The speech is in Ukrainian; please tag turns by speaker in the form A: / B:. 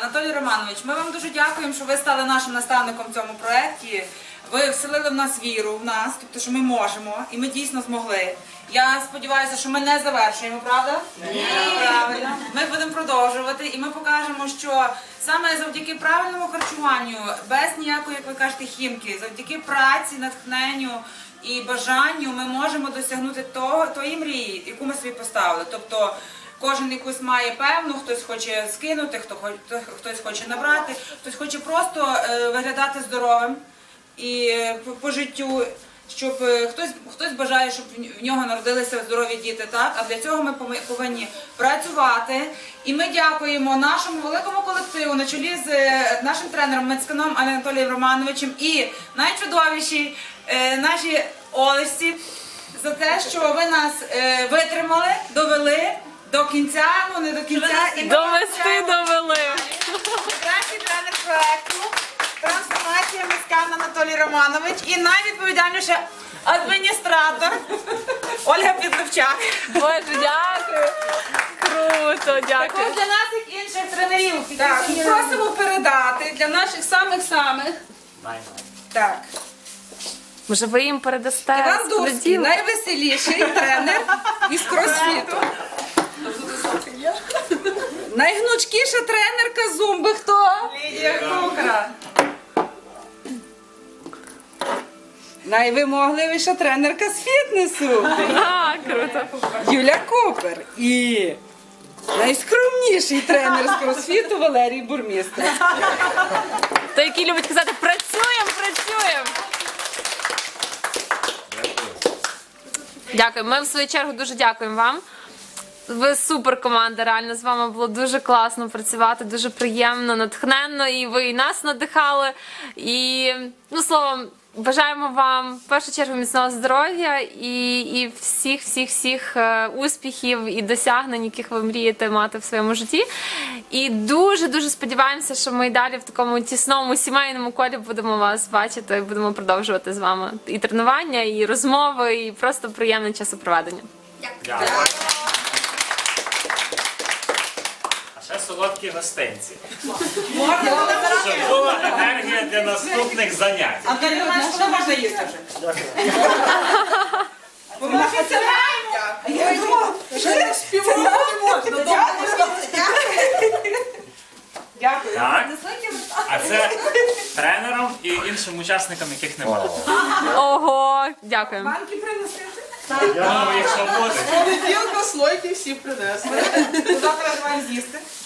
A: Анатолій Романович, ми вам дуже дякуємо, що ви стали нашим наставником в цьому проєкті. Ви вселили в нас віру в нас, тобто, що ми можемо, і ми дійсно змогли. Я сподіваюся, що ми не завершуємо, правда? Ні. Правильно. Ми будемо продовжувати, і ми покажемо, що саме завдяки правильному харчуванню, без ніякої, як ви кажете, хімки, завдяки праці, натхненню і бажанню ми можемо досягнути тої мрії, яку ми собі поставили. Тобто, кожен якусь має певну, хтось хоче скинути, хтось хоче набрати, хтось хоче просто виглядати здоровим і по життю, щоб хтось бажає, щоб в нього народилися здорові діти, так? А для цього ми повинні працювати. І ми дякуємо нашому великому колективу на чолі з нашим тренером Мицьканом Анатолієм Романовичем і найчудовіші наші Олесі за те, що ви нас витримали, довели до кінця, ну не до кінця. І
B: довели.
A: Кращий тренер проєкту «Трансформація» Мицькан Анатолій Романович і найвідповідальніше адміністратор Ольга Підливчак.
B: Боже, дякую. Круто, дякую.
A: Також для нас і інших тренерів. Так, і просимо передати для наших самих-самих. Так.
B: Може, ви їм передасте?
A: Іван Дурський, найвеселіший тренер із кросфіту. Найгнучкіша тренерка зумби хто? Лідія Кукра. Найвимогливіша тренерка з фітнесу.
B: Круто.
A: Юля Купер. І найскромніший тренер з кросфіту Валерій Бурмістр.
B: Той, який любить казати «працюємо, працюємо». Дякую. Ми в свою чергу дуже дякуємо вам. Ви супер команда, реально з вами було дуже класно працювати, дуже приємно, натхненно, і ви і нас надихали. І, ну, словом, бажаємо вам в першу чергу міцного здоров'я і всіх успіхів і досягнень, яких ви мрієте мати в своєму житті. І дуже-дуже сподіваємося, що ми і далі в такому тісному сімейному колі будемо вас бачити, будемо продовжувати з вами і тренування, і розмови, і просто приємне часопроведення.
C: Дякую. А ще солодкі гостинці. Щоб була енергія для наступних занять.
A: Анатолій Романович, що можна їсти вже? Поможіться нам! Я думала, що я співати не можна. Дякую.
C: Так. А це тренерам і іншим учасникам, яких немає.
B: Ого, дякуємо.
A: Банки приносити?
C: Ну, якщо буде.
D: Понеділка слойки всі принесли.
A: Завтра маємо з'їсти.